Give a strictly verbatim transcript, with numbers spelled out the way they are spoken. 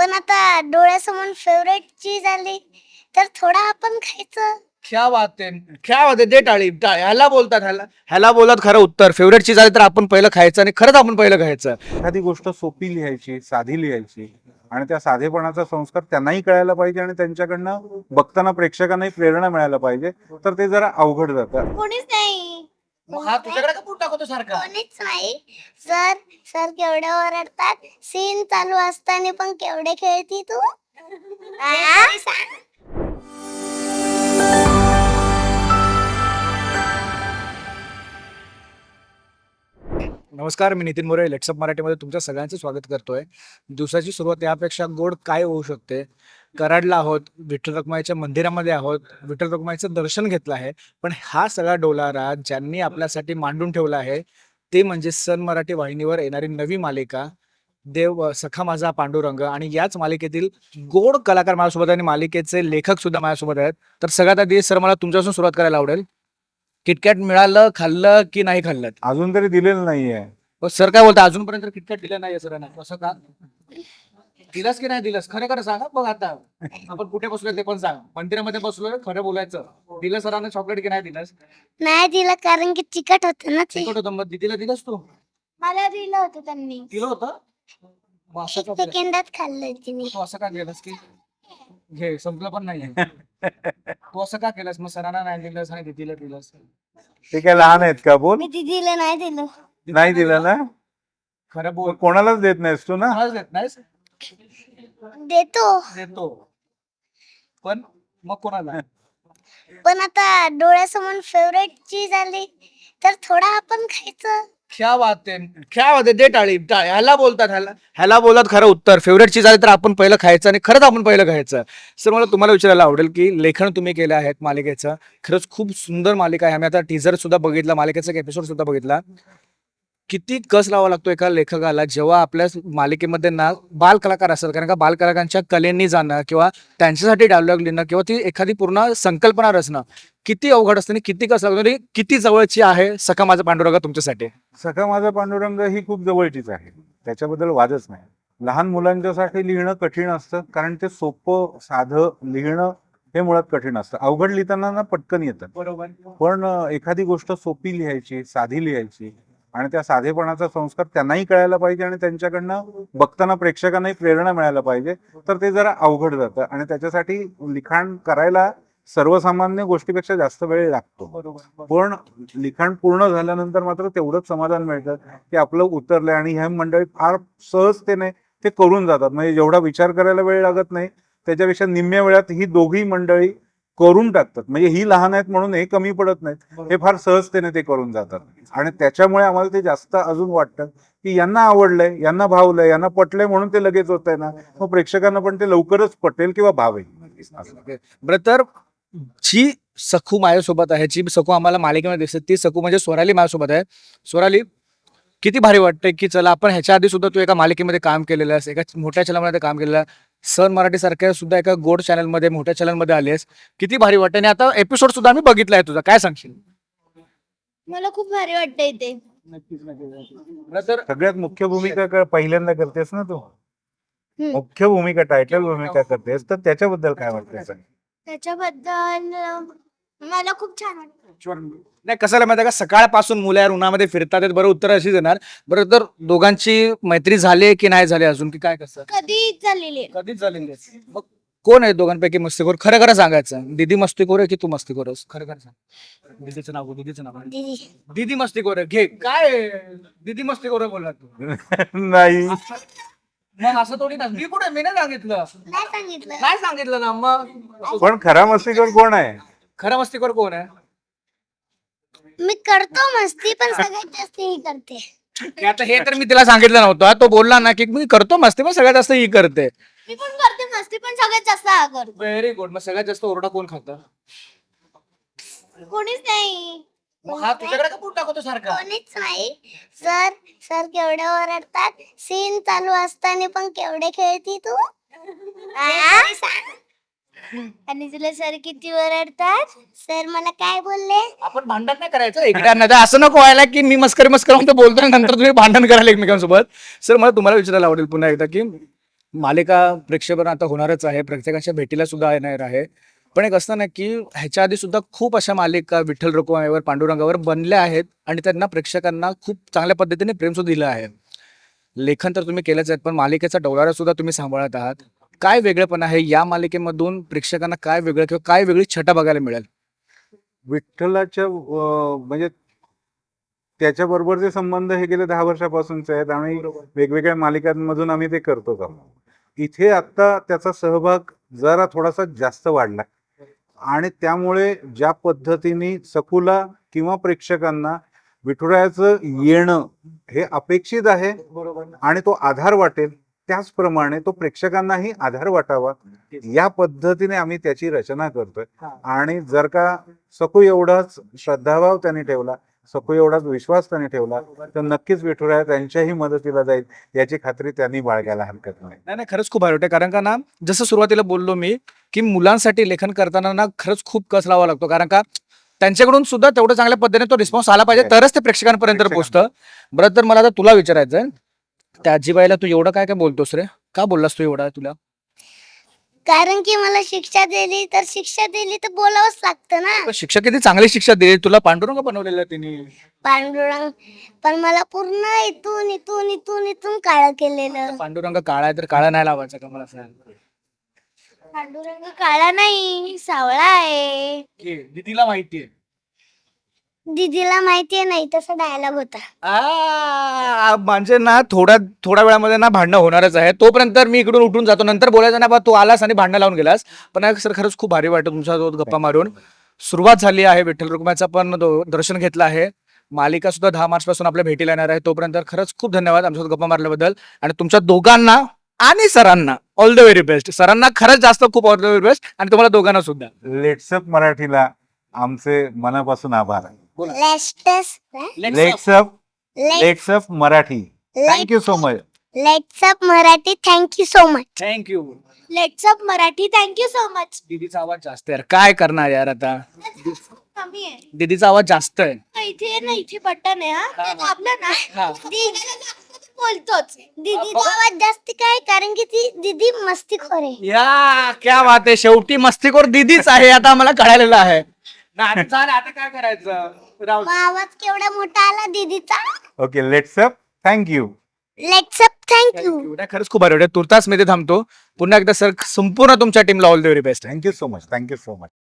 पण आता डोळ्यासमोर फेवरेट चीज आली तर थोडा आपण खायचं. क्या बात आहे, क्या बात आहे. दे टाळी टाळी. ह्याला बोलतात ह्याला ह्याला बोलतात खरं उत्तर. फेवरेट चीज आली तर आपण पहिलं खायचं आणि खरंच आपण पहिलं खायचं. एखादी गोष्ट सोपी लिहायची, साधी लिहायची आणि त्या साधेपणाचा संस्कार त्यांनाही कळायला पाहिजे आणि त्यांच्याकडनं बघताना प्रेक्षकांनाही प्रेरणा मिळायला पाहिजे. तर ते जरा अवघड जातं. कोणीच नाही. मग हा तुझ्याकडे का पूट टाकतो सारखा? कोणीच नाही. सर सर केवढे ओरडतात. सीन चालू असताना पण केवढे खेळती तू. आ? नमस्कार, मी नितीन मोरे लेट्सअप मराठीमध्ये तुमच्या सगळ्यांचं स्वागत करतोय. दिवसाची सुरुवात यापेक्षा गोड काय होऊ शकते. कराडला आहोत, विठ्ठल रखुमाईच्या मंदिरामध्ये आहोत, विठ्ठल रखुमाईचं दर्शन घेतलं आहे. पण हा सगळा डोलारा ज्यांनी आपल्यासाठी मांडून ठेवला आहे ते म्हणजे सन मराठी वाहिनीवर येणारी नवी मालिका देव सखा माझा पांडुरंग. आणि याच मालिकेतील गोड कलाकार माझ्यासोबत आणि मालिकेचे लेखक सुद्धा माझ्यासोबत आहेत. तर सगळ्यात आधी सर मला तुमच्यापासून सुरुवात करायला आवडेल. किटकॅट मिळालं, खाल्लं की नाही खाल्लं? अजून तरी दिलेलं नाहीये. हो, सर काय बोलता, अजूनपर्यंत किटकॅट दिलं नाही सरांना. कसं का दिलंस की नाही दिलंस? खरं खरं सांगा. बघ आता आपण कुठे बसलोय ते पण सांग. मंदिरामध्ये बसलोय, खरं बोलायचं. दिलं सरांना चॉकलेट की नाही दिलंस? नाही दिलं कारण की चिकट होतं ना ते. चिकट होतं. मग दिदीला दिलंस तू? मला दिलं होतं त्यांनी. दिलं होतं. मग असं एक का केलं? सेकंदात खाल्लं तिने. तू असं का केलंस की घे संपलं पण नाहीये. तू असं का केलंस? मग सरांना नाही दिलंस आणि दीदीला दिलंस? ते काय लहान आहेत का? बोल. मी दिदीला नाही दिलं. नाही दिलं ना? खरं बोल. कोणालाच देत नाहीस तू ना? कोणालाच देत नाहीस? देतो. देतो पण मग कोणाला? पण आता डोळ्यासमोर फेवरेट चीज आली तर थोडा आपण खायचं. क्या बात आहे, क्या बात आहे. दे टाळी टाळी. ह्याला बोलतात ह्याला ह्याला बोलतात खरं उत्तर. फेवरेट चीज आली तर आपण पहिलं खायचं आणि खरंच आपण पहिलं खायचं. सर मला तुम्हाला विचारायला आवडेल की लेखन तुम्ही केलं आहे मालिकेचं. खरंच खूप सुंदर मालिका आहे. आम्ही आता टीजर सुद्धा बघितला, मालिकेचा एक एपिसोड सुद्धा बघितला. किती कस लावा लागतो एका लेखकाला जेव्हा आपल्या मालिकेमध्ये ना बाल कलाकार असतात. कारण का बाल कलाकारांच्या कलेनी जाणं किंवा त्यांच्यासाठी डायलॉग लिहिणं किंवा ती एखादी पूर्ण संकल्पना रचणं किती अवघड असतं आणि किती कसं लागतं आणि किती जवळची आहे सखा माझा पांडुरंग तुमच्यासाठी? सखा माझा पांडुरंग ही खूप जवळचीच आहे, त्याच्याबद्दल वादच नाही. लहान मुलांच्यासाठी लिहिणं कठीण असतं कारण ते सोपं साधं लिहिणं हे मुळात कठीण असतं. अवघड लिहिताना ना पटकन येतं. बरोबर. पण अं, एखादी गोष्ट सोपी लिहायची, साधी लिहायची आणि त्या साधेपणाचा संस्कार त्यांनाही कळायला पाहिजे आणि त्यांच्याकडनं बघताना प्रेक्षकांनाही प्रेरणा मिळायला पाहिजे. तर ते जरा अवघड जातं आणि त्याच्यासाठी लिखाण करायला सर्वसामान्य गोष्टीपेक्षा जास्त वेळ लागतो. बरोबर. पण लिखाण पूर्ण झाल्यानंतर मात्र तेवढंच समाधान मिळतं की आपलं उतरलंय. आणि ह्या मंडळी फार सहजतेने ते करून जातात. म्हणजे जेवढा विचार करायला वेळ लागत नाही त्याच्यापेक्षा निम्म्या वेळात ही दोघी मंडळी करून टाकतात. म्हणजे ही लहान आहेत म्हणून हे कमी पडत नाहीत, हे फार सहजतेने ते करून जातात. आणि त्याच्यामुळे आम्हाला ते जास्त अजून वाटतं की यांना आवडलंय, यांना भावलंय, यांना पटलंय म्हणून ते लगेच होत आहे ना, मग प्रेक्षकांना पण ते लवकरच पटेल किंवा भावेल. बरं, तर जी सखू माझ्यासोबत आहे, जी सखू आम्हाला मालिकेमध्ये दिसते ती सखू म्हणजे स्वराली माझ्यासोबत आहे. स्वराली, किती भारी वाटतंय की चला आपण ह्याच्या आधी सुद्धा तू एका मालिकेमध्ये काम केलेलं आहेस, एका मोठ्या चॅनलमध्ये काम केलेलं आहे. सन मराठी सारख्या सुद्धा एका गोड चॅनलमध्ये मोठ्या चॅनलमध्ये आली आहेस. किती भारी वाटतं आणि आता एपिसोड सुद्धा आम्ही बघितलाय तुझा. काय सांगशील? मला खूप भारी वाटतं इथे. बरं, तर सगळ्यात मुख्य भूमिका क- पहिल्यांदा करतेस ना तू, हम्म. मुख्य भूमिका टायटल भूमिका करतेस, तर त्याच्याबद्दल काय वाटतं? त्याच्याबद्दल अं, मला खूप छान वाटतं. नाही, कसं आहे माहिती आहे का, सकाळपासून मुलं यार उन्हामध्ये फिरतात आहेत. बरं, उत्तर अशी देणार. बरं, तर दोघांची मैत्री झाली की नाही झाली अजून, की काय कसं? कधी झालेली आहे? कधीच झालेली आहे. मग कोण आहे दोघांपैकी मस्तीखोर? खरं खरं सांगायचं. दीदी मस्तीखोर आहे की तू मस्तीखोर आहेस? खरं खरं सांग. दीदीचं नाव बोल, दीदीचं नाव. दीदी. दीदी मस्तीखोर आहे. घे काय आहे? दीदी मस्तीखोर आहे बोलला तू. नाही, मग असं थोडी ना. मी कुठे, मी नाही सांगितलं. नाही सांगितलं. काय सांगितलं ना मग? पण खरा मस्तीखोर कोण आहे? खरं मस्तीखोर कोण आहे? मी करतो मस्ती पण सगळ्यात जास्त ही करते. की आता हे तर मी तिला सांगितलं नव्हतं. तो बोलला ना की मी करतो मस्ती पण सगळ्यात जास्त ही करते. मी पण करते मस्ती पण सगळ्यात जास्त हा करतो. Very good. मग सगळ्यात जास्त ओरडा कोण खातं? कोणीच नाही. मग हा तुझ्याकडे का पूट टाकतो सारखा? कोणीच नाही. सर सर केवढे ओरडतात. सीन चालू असताना पण केवढे खेळती तू. आ? आणि तुला सर किती ओरडतात. सर मला काय बोलले? आपण भांडण नाही करायचं एकदा. असं नको व्हायला की मी मस्करी मस्करी म्हणतो बोलतोय नंतर तुम्ही भांडण करायला एकमेकांसोबत. सर मला तुम्हाला विचारायला आवडेल पुन्हा एकदा की मालिका प्रेक्षेपण आता होणारच आहे, प्रत्येकाच्या भेटीला सुद्धा येणार आहे. पण एक असतं ना की ह्याच्या आधी सुद्धा खूप अशा मालिका विठ्ठल रखुमाईवर, पांडुरंगावर बनल्या आहेत आणि त्यांना प्रेक्षकांना खूप चांगल्या पद्धतीने प्रेम सुद्धा दिलं आहे. लेखन तर तुम्ही केलंच आहे, पण मालिकेचा डोलारा सुद्धा तुम्ही सांभाळत आहात. काय वेगळेपण आहे या मालिकेमधून? प्रेक्षकांना काय वेगळं किंवा काय वेगळी छटा बघायला मिळेल? विठ्ठलाच्या अं, म्हणजे त्याच्या बरोबरचे संबंध हे गेले दहा वर्षापासूनचे आहेत आणि वेगवेगळ्या मालिकांमधून आम्ही ते करतो आहोत. इथे आता त्याचा सहभाग जरा थोडासा जास्त वाढला आणि त्यामुळे ज्या पद्धतीने सखूला किंवा प्रेक्षकांना विठुरायाचं येणं हे अपेक्षित आहे आणि तो आधार वाटेल, त्याचप्रमाणे तो प्रेक्षकांनाही आधार वाटावा या पद्धतीने आम्ही त्याची रचना करतोय. आणि जर का सखू एवढाच श्रद्धाभाव त्यांनी ठेवला, सखू एवढाच विश्वास त्यांनी ठेवला, तर नक्कीच विठुराया त्यांच्याही मदतीला जाईल याची खात्री त्यांनी बाळगायला हरकत नाही. नाही नाही, खरंच खूप भारी वाटतं. कारण का ना, जसं सुरुवातीला बोललो मी की मुलांसाठी लेखन करताना ना खरंच खूप कस लावा लागतो. कारण का त्यांच्याकडून सुद्धा तेवढं चांगल्या पद्धतीने तो रिस्पॉन्स आला पाहिजे, तरच ते प्रेक्षकांपर्यंत पोहोचतं. बरं, तर मला आता तुला विचारायचं आहे, त्या आजीबाईला तू एवढं काय काय बोलतोस रे? का बोललास तू एवढा? तुला कारण की मला शिक्षा दिली तर शिक्षा दिली तर बोलावंच लागतं ना. शिक्षा किती चांगली शिक्षा दिली तुला, पांडुरंग बनवलेलं तिने. पांडुरंग पण मला पूर्ण इथून इथून इथून इथून काळं केलेलं. पांडुरंग काळा आहे तर काळा नाही लावायचा का मला सांग? पांडुरंग काळा नाही, सावळा आहे. दीदीला माहितीये. दीदीला माहितीये नाही, तसा डायलॉग होता. आ, म्हणजे ना थोड्या थोड्या वेळामध्ये ना भांडणं होणारच आहे. तोपर्यंत मी इकडून उठून जातो, नंतर बोलायचं ना बा तू आलास आणि भांडणं लावून गेलास. पण सर खरंच खूप भारी वाटतं तुमच्यासोबत गप्पा मारून. सुरुवात झाली आहे, विठ्ठल रखुमाईचं पण दो- दर्शन घेतलं आहे. मालिका सुद्धा दहा मार्च पासून आपल्या भेटीला येणार आहे. तोपर्यंत खरंच खूप धन्यवाद आमच्यासोबत गप्पा मारल्याबद्दल. आणि तुमच्या दोघांना आणि सरांना ऑल द व्हेरी बेस्ट. सरांना खरंच जास्त खूप ऑल द व्हेरी बेस्ट आणि तुम्हाला दोघांना सुद्धा. लेट्सअप मराठीला आमचे मनापासून आभार. Let's LetsUpp LetsUpp Marathi, thank you so much. LetsUpp Marathi, thank you so much. Thank you. LetsUpp Marathi, thank you so much. दीदीचा आवाज जास्त आहे यार, काय करणार यार आता. कमी आहे दीदीचा आवाज जास्त आहे. इथे ना, इथे बटन आहे. हा हा. ते दाबलं ना, हा. दीदी बोलतोच. दीदीचा आवाज जास्त काय, कारण की ती दीदी मस्तीखोर आहे. या क्या बात आहे, शेवटी मस्तीखोर दीदीच आहे आता आम्हाला कळालेलं आहे. नाही, चालेल, आता काय करायचं? राहू दे. मग आवाज केवढा मोठा आला दीदीचा. Okay, LetsUpp, thank you. LetsUpp, thank you. नाही, खरंच खूप भारी वाटतं. तुर्तास मध्ये थांबतो. पुन्हा एकदा सर संपूर्ण तुमच्या टीमला all the very best. Thank you so much, thank you so much.